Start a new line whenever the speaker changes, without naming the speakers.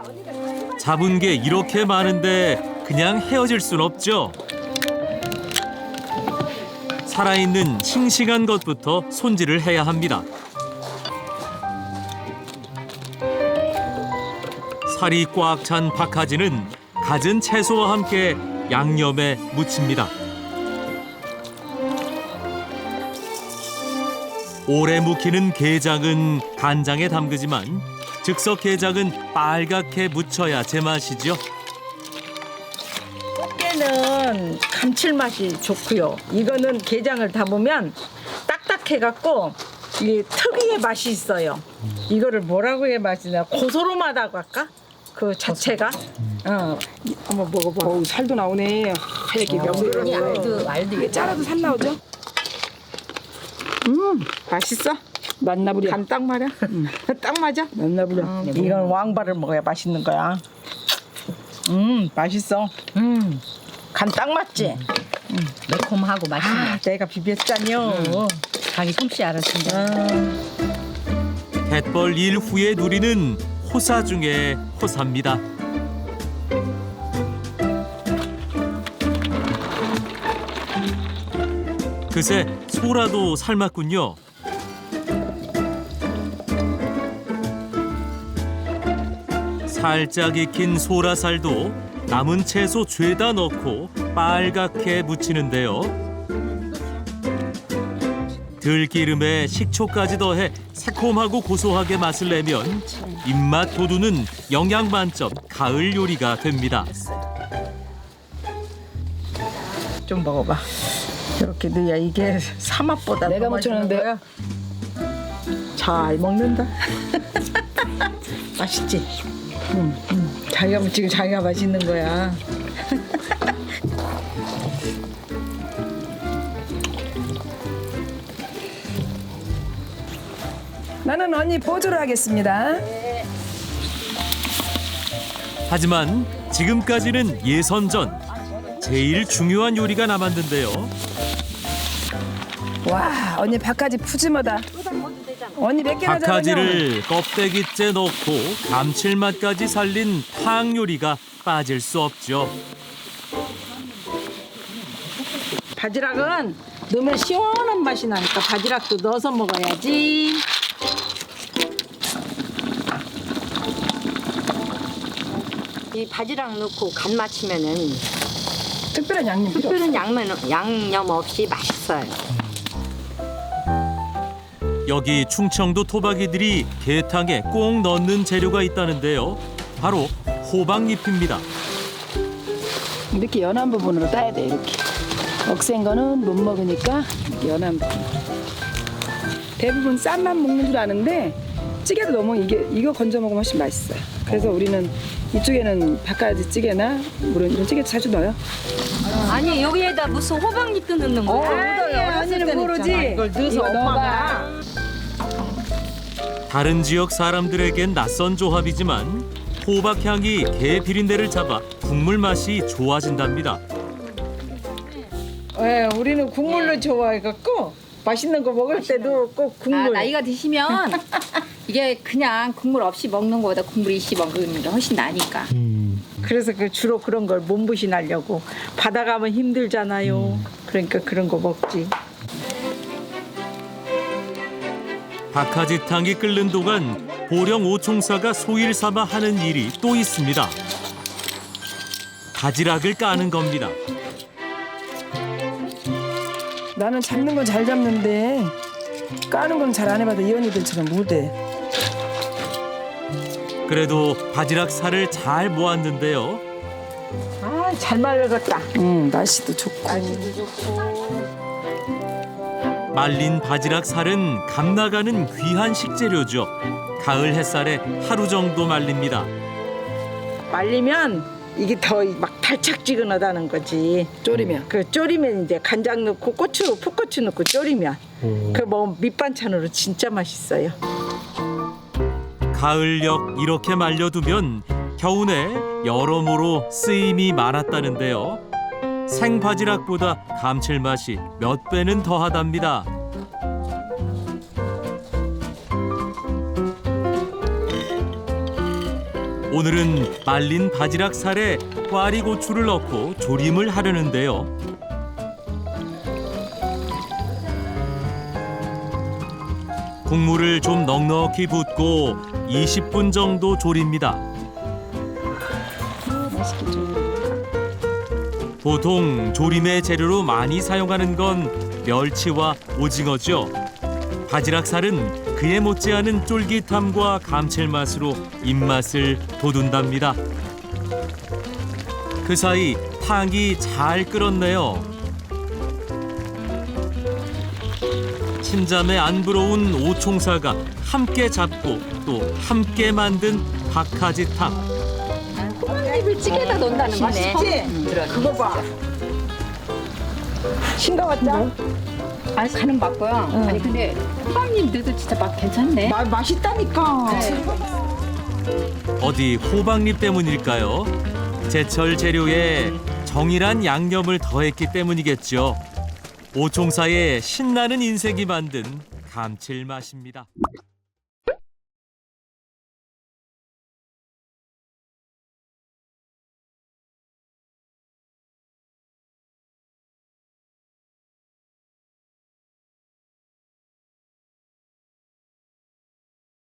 잡은 게 이렇게 많은데 그냥 헤어질 순 없죠. 살아있는 싱싱한 것부터 손질을 해야 합니다. 살이 꽉 찬 박하지는 갖은 채소와 함께 양념에 무칩니다. 오래 묵히는 게장은 간장에 담그지만 즉석 게장은 빨갛게 무쳐야 제맛이죠.
꽃게는 감칠맛이 좋고요. 이거는 게장을 담으면 딱딱해갖고 이 특유의 맛이 있어요. 이거를 뭐라고 해야 맛이냐? 고소름하다고 할까? 그 자체가. 한번 먹어봐.
어우, 살도 나오네. 하얗게 명도로.
알도
이게 짜라도 살 나오죠?
맛있어?
맞나부려.
간 딱 말이야. 딱 맞아.
맞나부려.
이건 왕발을 먹어야 맛있는 거야. 맛있어. 간 딱 맞지?
매콤하고 맛있네.
내가 비볐잖여.
자기 솜씨 알았습니다.
갯벌 일 후에 누리는 호사 중에 호사입니다. 그새 소라도 삶았군요. 살짝 익힌 소라살도 남은 채소 죄다 넣고 빨갛게 무치는데요. 들기름에 식초까지 더해 새콤하고 고소하게 맛을 내면 입맛 돋우는 영양 만점 가을 요리가 됩니다.
좀 먹어봐. 이렇게 넣어야 이게 사맛보다
내가
더 맛있는
묻혀놨는데.
거야. 잘 먹는다. 맛있지? 자기가 묻히고 자기가 맛있는 거야.
나는 언니 보조를 하겠습니다.
하지만 지금까지는 예선전. 제일 중요한 요리가 남았는데요.
와, 언니 박하지 푸짐하다. 언니 몇 개나 잡았냐?
박하지를 껍데기째 넣고 감칠맛까지 살린 탕 요리가 빠질 수 없죠.
바지락은 넣으면 시원한 맛이 나니까 바지락도 넣어서 먹어야지.
이 바지락 넣고 간 맞추면은
특별한 양념 필요 없어.
특별한 양념 없이 맛있어요.
여기 충청도 토박이들이 게탕에 꼭 넣는 재료가 있다는데요. 바로 호박잎입니다.
이렇게 연한 부분으로 따야 돼, 이렇게. 억센 거는 못 먹으니까 이렇게 연한 부분. 대부분 쌈만 먹는 줄 아는데 찌개도 너무 이거 건져 먹으면 훨씬 맛있어요. 그래서 우리는 이쪽에는 바가지 찌개나 물론 이런 찌개 자주 넣어요.
아니 여기에다 무슨 호박잎도 넣는 거야?
언니는 모르지.
이걸 넣어서
이거
엄마가
다른 지역 사람들에겐 낯선 조합이지만 호박향이 게 비린내를 잡아 국물 맛이 좋아진답니다.
우리는 국물로 좋아해갖고 맛있는 거 먹을 때도 꼭 국물.
나이가 드시면 이게 그냥 국물 없이 먹는 거보다 국물 있이 먹는 게 훨씬 나니까.
그래서 주로 그런 걸 몸보신하려고 바다 가면 힘들잖아요. 그러니까 그런 거 먹지.
박하지탕이 끓는 동안 보령 오총사가 소일 삼아 하는 일이 또 있습니다. 바지락을 까는 겁니다.
나는 잡는 건 잘 잡는데 까는 건 잘 안 해봐도 이 언니들처럼 못해.
그래도 바지락 살을 잘 모았는데요.
잘 말렸다.
날씨도 좋고.
말린 바지락 살은 감 나가는 귀한 식재료죠. 가을 햇살에 하루 정도 말립니다.
말리면 이게 더 막 달짝지근하다는 거지.
졸이면.
졸이면 이제 간장 넣고 고추, 풋고추 넣고 졸이면 뭐 밑반찬으로 진짜 맛있어요.
가을녘 이렇게 말려두면 겨우내 여러모로 쓰임이 많았다는데요. 생바지락보다 감칠맛이 몇 배는 더하답니다. 오늘은 말린 바지락 살에 꽈리고추를 넣고 조림을 하려는데요. 국물을 좀 넉넉히 붓고 20분 정도 졸입니다.
맛있게 좀.
보통 조림의 재료로 많이 사용하는 건 멸치와 오징어죠. 바지락살은 그에 못지않은 쫄깃함과 감칠맛으로 입맛을 돋운답니다. 그 사이 탕이 잘 끓었네요. 친자매 안 부러운 오총사가 함께 잡고 또 함께 만든 박하지탕.
호박잎을 찌개에다 넣는다는 맛이
그거 봐. 싱거웠죠?
아니 간은 맞고요. 아니 근데 호박잎 넣어도 진짜 맛 괜찮네.
맛있다니까.
어디 호박잎 때문일까요? 제철 재료에 정이란 양념을 더했기 때문이겠죠. 오총사의 신나는 인색이 만든 감칠맛입니다.